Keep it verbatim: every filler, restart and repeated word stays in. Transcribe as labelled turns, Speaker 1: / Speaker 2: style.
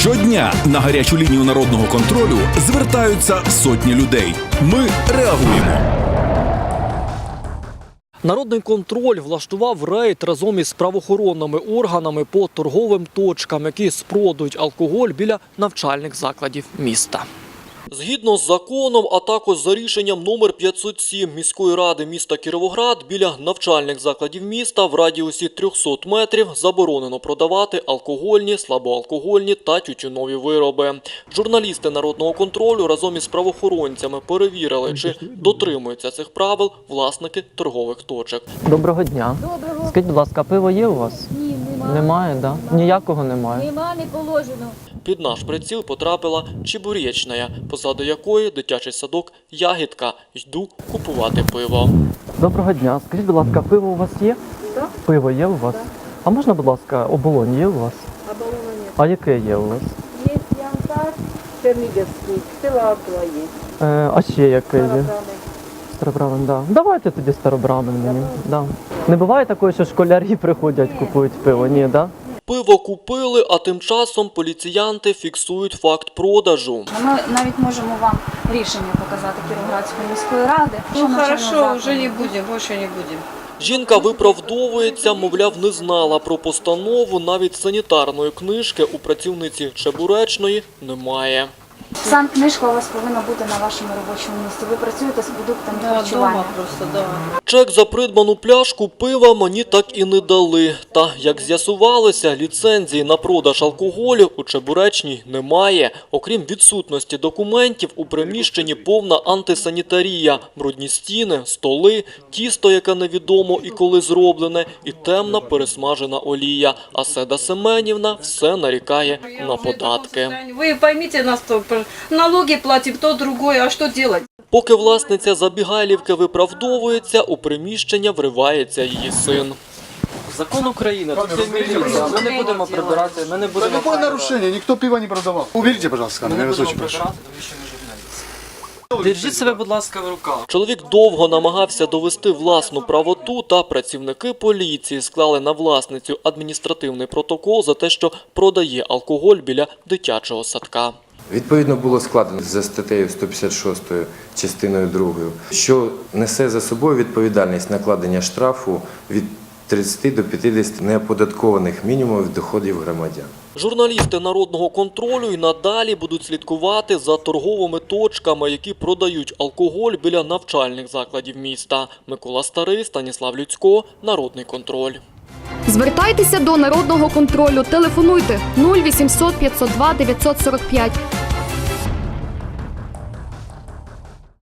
Speaker 1: Щодня на гарячу лінію народного контролю звертаються сотні людей. Ми реагуємо.
Speaker 2: Народний контроль влаштував рейд разом із правоохоронними органами по торговим точкам, які спродують алкоголь біля навчальних закладів міста. Згідно з законом, а також за рішенням номер п'ятсот сім міської ради міста Кіровоград, біля навчальних закладів міста в радіусі трьохсот метрів заборонено продавати алкогольні, слабоалкогольні та тютюнові вироби. Журналісти народного контролю разом із правоохоронцями перевірили, чи дотримуються цих правил власники торгових точок.
Speaker 3: Доброго дня.
Speaker 4: Доброго.
Speaker 3: Скажіть, будь ласка, пиво є у вас?
Speaker 4: Ні, немає.
Speaker 3: Немає, так? Да? Ніякого немає?
Speaker 4: Нема, не положено.
Speaker 2: Під наш приціл потрапила чебуречная, позаду якої дитячий садок «Ягідка». Йду купувати пиво.
Speaker 3: Доброго дня. Скажіть, будь ласка, пиво у вас є?
Speaker 4: Так.
Speaker 3: Пиво є у вас?
Speaker 4: Так.
Speaker 3: А можна, будь ласка, оболонь є у вас?
Speaker 4: Оболона нет.
Speaker 3: А яке є у вас?
Speaker 4: Є янтарь, чернігівський, Силакова є.
Speaker 3: Е, а ще яке є?
Speaker 4: Старобрами.
Speaker 3: Старобрамен, так. Да. Давайте тоді старобрамен мені. Да. Не буває такого, що школярі приходять,
Speaker 4: Ні.
Speaker 3: купують пиво? Ні, так? Да?
Speaker 2: Пиво купили, а тим часом поліціянти фіксують факт продажу.
Speaker 5: Ми навіть можемо вам рішення показати Кіровоградської міської ради.
Speaker 6: Ну хорошо, уже не будем, больше не будем.
Speaker 2: Жінка виправдовується, мовляв, не знала про постанову, навіть санітарної книжки у працівниці чебуречної немає.
Speaker 5: Санкнижка у вас повинна бути на вашому робочому місці. Ви працюєте з продуктами
Speaker 6: Да,
Speaker 5: харчування.
Speaker 6: дома просто, да.
Speaker 2: Чек за придбану пляшку пива мені так і не дали. Та, як з'ясувалося, ліцензії на продаж алкоголю у чебуречній немає. Окрім відсутності документів, у приміщенні повна антисанітарія. Брудні стіни, столи, тісто, яке невідомо і коли зроблене, і темна пересмажена олія. А Седа Семенівна все нарікає на податки.
Speaker 6: Вы поймите нас, то налоги платим, то другое, а что делать?
Speaker 2: Поки власниця забігайлівки виправдовується, у приміщення вривається її син.
Speaker 3: Закон України, тут є міліція. Ми не будемо прибирати, ми не
Speaker 7: Да
Speaker 3: будемо
Speaker 7: какое нарушение? Никто пива не продавал. Уберите, пожалуйста,
Speaker 3: Ми
Speaker 7: камеру,
Speaker 3: не
Speaker 7: я вас
Speaker 3: будемо
Speaker 7: очень прошу.
Speaker 3: прибирати, тому що ми журналісти. Держіть себе, будь ласка, в руках.
Speaker 2: Чоловік довго намагався довести власну правоту, та працівники поліції склали на власницю адміністративний протокол за те, що продає алкоголь біля дитячого садка.
Speaker 8: Відповідно було складено за статтею сто п'ятдесят шість частиною другою, що несе за собою відповідальність накладення штрафу від тридцяти до п'ятдесяти неоподаткованих мінімумів доходів громадян.
Speaker 2: Журналісти народного контролю й надалі будуть слідкувати за торговими точками, які продають алкоголь біля навчальних закладів міста. Микола Старий, Станіслав Люцько, Народний контроль.
Speaker 9: Звертайтеся до Народного контролю. Телефонуйте нуль вісімсот п'ятсот два дев'ятсот сорок п'ять.